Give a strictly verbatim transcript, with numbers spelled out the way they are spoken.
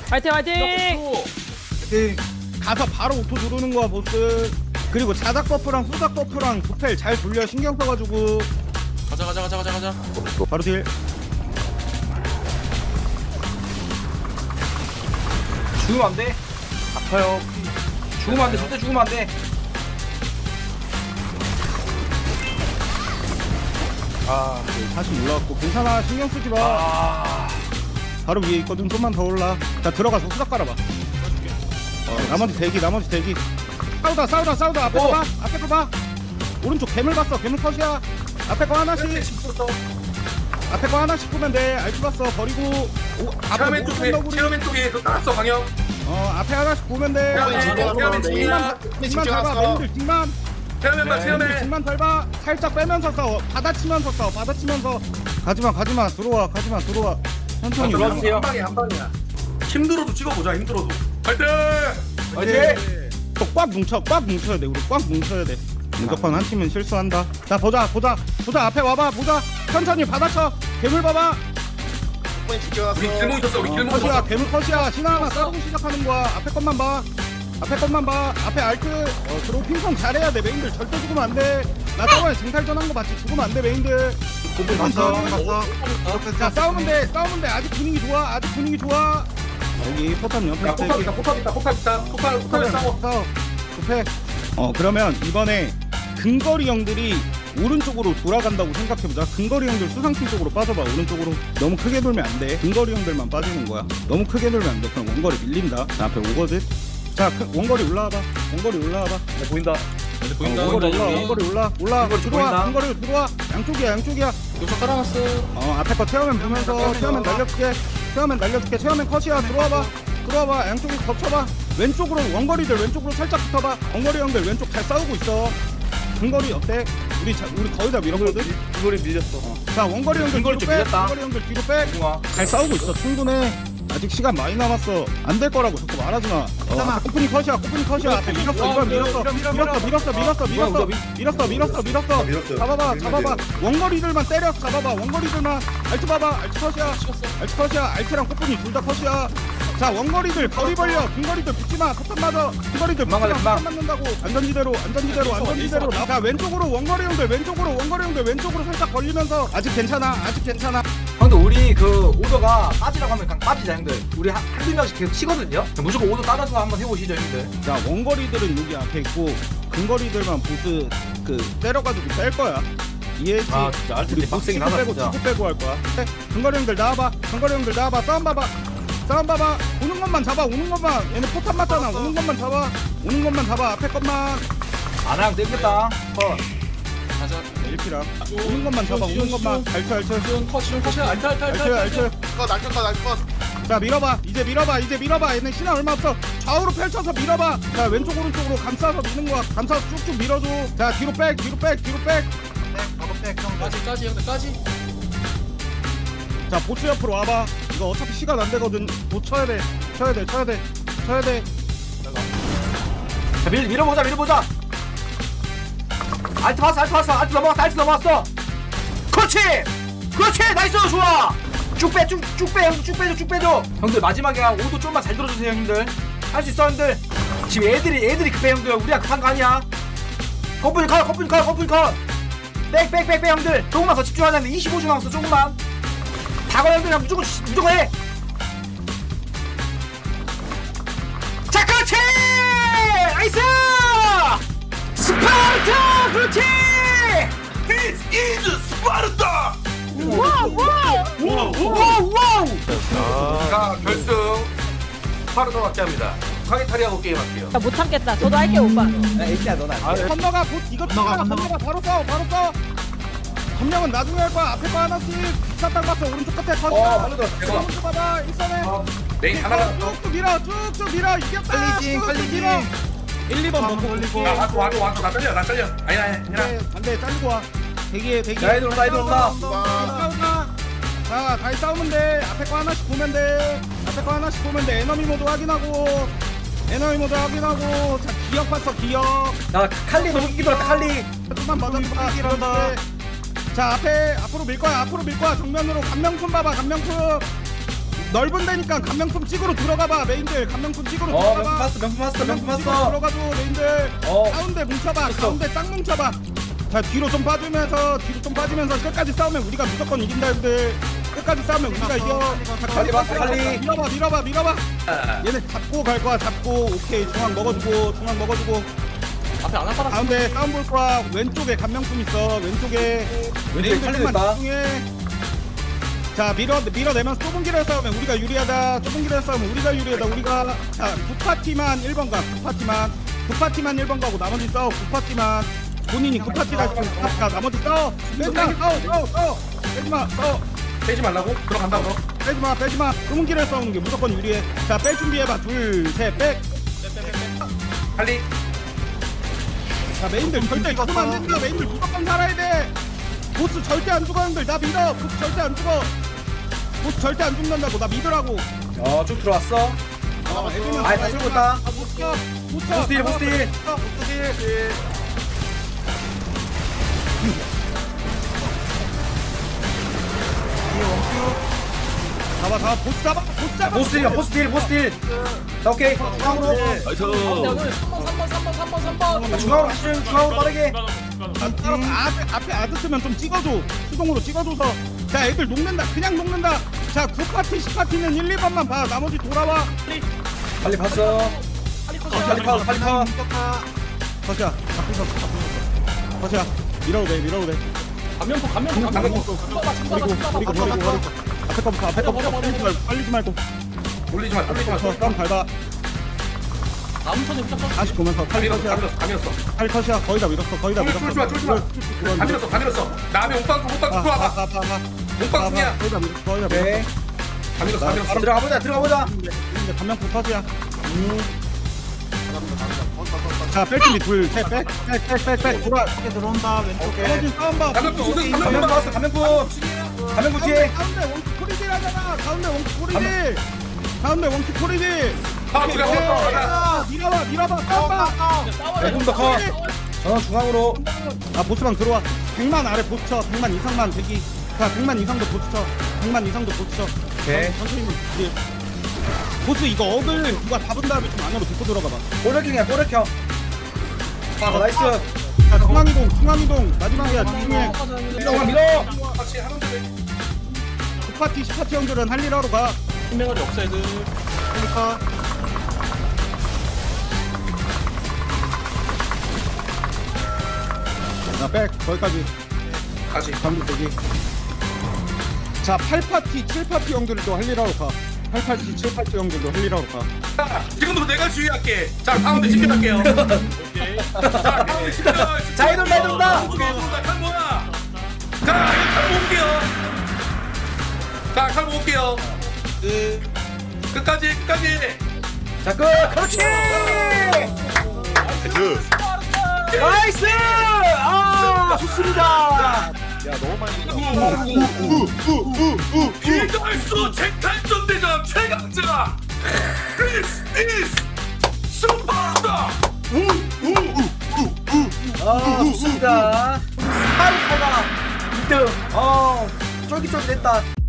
화이팅 화이팅! 네, 가서 바로 오토 누르는 거야 보스. 그리고 자작 버프랑 수작 버프랑 도펠 잘 돌려 신경 써가지고. 가자 가자 가자 가자 가자. 바로 딜. 죽으면 안 돼. 아파요. 죽으면 안 돼. 절대 죽으면 안 돼. 아, 네, 다시 올라왔고 괜찮아 신경 쓰지 마. 아, 바로 위에 있거든. 좀만 더 올라. 자 들어가서 수작 깔아봐. 어, 나머지 대기 나머지 대기. 싸우다 싸우다 싸우다 앞에 거 어. 봐. 앞에 거 봐. 오른쪽 괴물 봤어. 괴물 컷이야. 앞에 거 하나씩. 앞에 거 하나씩 보면 돼. 알트 봤어. 버리고. 오, 앞에 체어맨 못 쪽에 건너구리. 체어맨 쪽에 그 깔았어 강형. 어 앞에 하나씩 보면 돼. 체어맨 체어맨 중이야. 뒷만 밟아. 맨들 뒷만. 체어맨 봐 맨들 체어맨. 뒷만 밟아. 살짝 빼면서 싸워. 받아치면서 싸워. 받아치면서. 가지마 가지마 들어와 가지마 들어와. 천천히 들어와 올라가. 주세요. 한 방이야 한 방이야. 힘들어도 찍어보자 힘들어도. 화이팅! 화이팅! 꽉 뭉쳐 꽉 뭉쳐야 돼. 우리 꽉 뭉쳐야 돼. 무조건 한 팀은 실수한다. 자 보자 보자 보자 앞에 와봐 보자. 천천히 받아쳐. 괴물 봐봐. 우리 길목 있었어 우리 어, 길목 컷이야 있었어. 괴물 컷이야. 신화 하나 싸우고 시작하는 거야. 앞에 것만 봐. 앞에 것만 봐. 앞에 알트. 어 그리고 핑퐁 잘해야 돼. 메인들 절대 죽으면 안 돼. 나 저번에 쟁탈전 한 거 봤지. 죽으면 안 돼 메인들. 봤어 봤어. 자 싸우면 돼 싸우면 돼. 아직 분위기 좋아. 아직 분위기 좋아. 여기 포탑 옆에 야 포탑 있다 포탑 있다 포탑 있다 포탑 포탑에 싸워. 싸워. 급해. 어 그러면 이번에 근거리 형들이 오른쪽으로 돌아간다고 생각해보자. 근거리 형들 수상팀 쪽으로 빠져봐. 오른쪽으로 너무 크게 돌면 안 돼. 근거리 형들만 빠지는 거야. 너무 크게 돌면 안 돼. 그럼 원거리 밀린다. 자 앞에 오거든. 자 그, 원거리 올라와봐. 원거리 올라와봐. 네, 보인다. 근데 어, 보인다. 원거리 올라. 원거리 올라. 올라. 원거리 들어와. 보인다. 근거리 들어와. 양쪽이야. 양쪽이야. 요소 깔아놨어. 어 앞에 거 체어맨 보면서 체어맨 날려줄게. 체어맨 날려줄게. 체어맨 컷이야. 들어와봐. 들어와봐. 양쪽에 덮쳐봐. 왼쪽으로 원거리들 왼쪽으로 살짝 붙어봐. 원거리 형들 왼쪽 잘 싸우고 있어. 근거리 어때? 우리 자, 우리 거의 다 밀었거든. 이거리 밀렸어. 어. 자 원거리 형들 근거리 뒤로 좀 빼. 밀렸다. 원거리 형들 뒤로 빼. 공아. 잘 싸우고 있어. 충분해. 아직 시간 많이 남았어. 안 될 거라고 자꾸 말하지 마. 어, 코프니 컷이야. 코프니 컷이야. 앞에 밀었어. 이번 밀었어. 밀었어. 밀었어. 밀었어. 밀었어. 밀었어. 밀었어. 밀었어. 밀었어. 밀었어요. 잡아봐. 밀면 잡아봐. 돼요. 원거리들만 때려. 잡아봐. 원거리들만. 알트 봐봐. 알트 컷이야. 알트 컷이야. 알트랑 코프니 둘 다 컷이야. 자 원거리들 거리 벌려. 근거리들 붙지 마. 포탄 맞아. 근거리들 붙지 마. 도망가자, 도망. 포탄 맞는다고. 안전지대로. 안전지대로. 안전지대로. 나. 자 왼쪽으로 원거리 형들 왼쪽으로 원거리 형들 왼쪽으로 살짝 벌리면서 아직 괜찮아. 아직 괜찮아. 형들 우리 그 오더가 빠지라고 하면 그냥 빠지자 형들. 우리 한, 한두 명씩 계속 치거든요. 무조건 오더 따라서 한번 해보시죠 형들. 자 원거리들은 여기 앞에 있고 근거리들만 보스 그 때려가지고 뺄 거야. 이해했지? 아 진짜 우리 알뜰 보스 빡세긴 치고 하다 빼고 진짜. 치고 빼고 할 거야. 네, 근거리 형들 나와봐. 근거리 형들 나와봐. 싸움 봐봐. 싸움 봐봐. 오는 것만 잡아. 오는 것만. 얘네 포탄 맞잖아. 오는 것만 잡아. 오는 것만 잡아. 앞에 것만. 안하면 땡겼다. 컷. 가자. 일 피랑. 오는 것만 잡아. 오는 것만. 알쳐 알쳐. 지원 컷 지원 컷이야. 알타 알타 알타. 알쳐 알쳐. 거 날컷 날컷. 자 밀어봐. 이제 밀어봐. 이제 밀어봐. 얘네 신화 얼마 없어. 좌우로 펼쳐서 밀어봐. 자 왼쪽 오른쪽으로 감싸서 미는 거야. 감싸서 쭉쭉 밀어줘. 자 뒤로 백. 뒤로 백. 뒤로 백. 바로 백 형. 까지 까지 형들 까지. 자 보스 옆으로 와봐. 이거 어차피 시간 안 되거든. 못 쳐야 돼. 쳐야 돼. 쳐야 돼. 쳐야 돼. 자 밀, 밀어보자 밀어보자. 알트 왔어 알트 왔어 알트 넘어왔어 알트 넘어왔어. 그렇지 그렇지 나이스 좋아. 쭉빼쭉쭉빼 형들 쭉 빼줘 쭉 빼줘. 형들 마지막에 오도 좀만 잘 들어주세요 형들. 할 수 있어 형들. 지금 애들이 애들이 급해 형들. 우리가 급한 거 아니야. 커플 컷 커플 컷 커플 컷. 빽빽빽빽 형들 조금만 더 집중하자는데 이십오 초 남았어 조금만. 다걸 형들 그냥 무조건 무조건 해. 자 그렇지 나이스 스파르타 그렇지. This is 스파르타. 와우 와우 와우. 자 결승 스파르타 맞게 합니다. 카게타리하고 게임 할게요. 나 못 참겠다. 저도 할게요 오빠. 건너가 곧 이거 건너가 건너가 바로 싸워 바로 싸워. 점령은 나중에 할 거야. 앞에 거 하나씩. 뒷사탕 봤어. 오른쪽 끝에 컷. 어, 빨리 들어, 대박. 오른쪽 봐봐. 일선에. 어, 메인 하나가 더. 쭉쭉 밀어. 쭉쭉 밀어. 이겼다. 빨리징, 쭉쭉 빨리징. 밀어. 일, 이 번 먹고 올리고. 야 와줘 와줘 와줘 나 잘려 나 잘려. 아니야 아니야 아니야. 네, 반대 잘리고 와. 대기해 대기. 야, 애들 온다, 애들 온다. 싸우자. 자, 다시 싸우면 돼. 앞에 거 하나씩 보면 돼. 앞에 거 하나씩 보면 돼. 에너미 모드 확인하고. 에너미 모드 확인하고. 자, 기억 봤어, 기억. 나 칼리 너무 끼기 들었다 칼리. 조금만 맞아봐. 기란다. 자, 앞에 앞으로 밀 거야. 앞으로 밀 거야. 정면으로 감명품 봐봐. 감명품. 넓은 데니까 감명품 찍으러 들어가봐 메인들. 감명품 찍으러 어 명품 들어가봐. 봤어 명품 봤어 명품 감명품 찍으러 봤어. 들어가줘 메인들. 어. 가운데 뭉쳐봐. 됐어. 가운데 딱 뭉쳐봐. 자 뒤로 좀 빠지면서 뒤로 좀 빠지면서 끝까지 싸우면 우리가 무조건 이긴다 형들. 끝까지 싸우면 우리가 이겨. 자, 빨리 봤어, 빨리. 밀어봐 밀어봐 밀어봐. 얘네 잡고 갈 거야. 잡고 오케이 중앙 먹어주고 중앙 먹어주고. 앞에 안 아파라. 가운데 싸움 볼 거야. 왼쪽에 감명품 있어. 왼쪽에 왼쪽에 칼리도 좀만 있다. 집중해. 자 밀어 밀어내면서 좁은 길에 싸우면 우리가 유리하다. 좁은 길에 싸우면 우리가 유리하다. 우리가 자두 파티만 일 번 가. 두 파티만 두 파티만 일 번 가고 나머지 싸워. 두 파티만 본인이 두 파티 갈수 가. 나머지 싸워. 빼지마 싸워 싸워 싸워. 빼지마 싸워. 빼지 말라고? 들어간다 그럼. 빼지마 빼지마. 좁은 길에 싸우는 게 무조건 유리해. 자 뺄 준비해봐. 둘셋 백. 칼리. 자 메인들 절대 죽으면 안 된다. 메인들 무조건 살아야 돼. 보스 절대 안 죽어 형들. 나 믿어. 보스 절대 안 죽어. 보스 절대 안 죽는다고. 나 믿으라고. 어쭉 들어왔어. 어, 애들만 아이, 다 들고 있다. 아, 못 쳐. 못 쳐. 보스 딜, 보스 딜. 보스 딜. 잡아 잡아 보스 잡아 보스 잡아. 보스 딜 보스 딜 보스 딜. 자 오케이 중앙으로. 나이스. 삼 번 삼 번 삼 번 삼 번 삼 번. 중앙으로 가시죠. 중앙으로 빠르게. 아, 따로 앞에 앞에 아드스면 좀 찍어줘. 수동으로 찍어줘서. 자 애들 녹는다. 그냥 녹는다. 자 구 파티 십 파티는 일, 이 번만 봐. 나머지 돌아와. 빨리 봤어. 빨리 파 빨리 파. 거시야 잡고 있었어 잡고 있었어. 거시야 밀어도 돼 밀어도 돼. 감면포 감면포 그리고 감면포. 그리고 그리고 그리고 그리고 앞에 거부터 앞에 거부터 빨리지 말고 빨리지 말고. 올리지 마. 올리지 마. 저 싸움 밟아. 다음 턴에 무조건. 다시 보면서 다 칼리 밀었어. 다 컷이야. 밀었어. 다 밀었어. 칼리 컷이야. 거의 다 밀었어. 거의 다 밀었어. 쫄지 마. 쫄지 마. 다 밀었어. 다 밀었어. 다음에 옥방구 옥방구 아, 들어와봐. 아, 아, 아, 옥방구냐? 아, 거의 다 밀었어. 거의 다 오케이. 밀었어. 다 밀었어. 다 밀었어. 들어가 보자 들어가 보자. 이제 감명포 컷이야. 음. 자, 뺄 준비 둘, 셋, 백, 백, 백, 백, 백, 돌아. 들어온다 왼쪽에. 떨어진 싸움 봐. 감명포 우승 감면 감명포. 봤어 감면포. 감면포 가운데, 뒤에. 가운데 원키 코리딜 하잖아. 가운데 원키 코리딜. 가운데 원키 코리딜. 아 우리가 먹었어. 가자. 밀어봐, 밀어봐, 싸움 봐. 조금 더 커. 어 중앙으로. 아, 보스방 들어와. 백만 아래 보스 쳐. 백만 이상만 대기. 자, 백만 이상도 보스 쳐. 백만 이상도 보스 쳐. 오케이. 천천히 딜. 보스 이거 억을 누가 잡은 다음에 좀 안으로 데리고 들어가봐. 꼬르킹이야 꼬르킹. 아 나이스. 자, 중앙이동, 중앙이동. 마지막이야, 집중해. 밀어 밀어. 같이 하는데 왜? 구 파티, 십 파티 형들은 할 일 하러 가. 신명아리 없어 애들. 그러니까. 자, 백, 거기까지. 같이. 감기 대기. 자, 팔 파티, 칠 파티 형들도 할 일 하러 가. 팔 파티, 칠 파티 형들도 할 일 하러 가. 자, 지금부터 내가 주의할게. 자, 가운데 집결할게요. 오케이. 자, 가운데 집결. 자, 이놈 내 돈다. 오케이, 돈다. 칼 뭐야? 자, 이거 칼 모을게요. 자, 칼 모을게요. 끝까지, 끝까지. 자 끝. 그렇지. 나이스. 아 좋습니다. 이달수 쟁탈전 대전 최강자. This is 스파르타. 아 좋습니다. 스파르타가 이 등. 어 쫄깃쫄깃했다.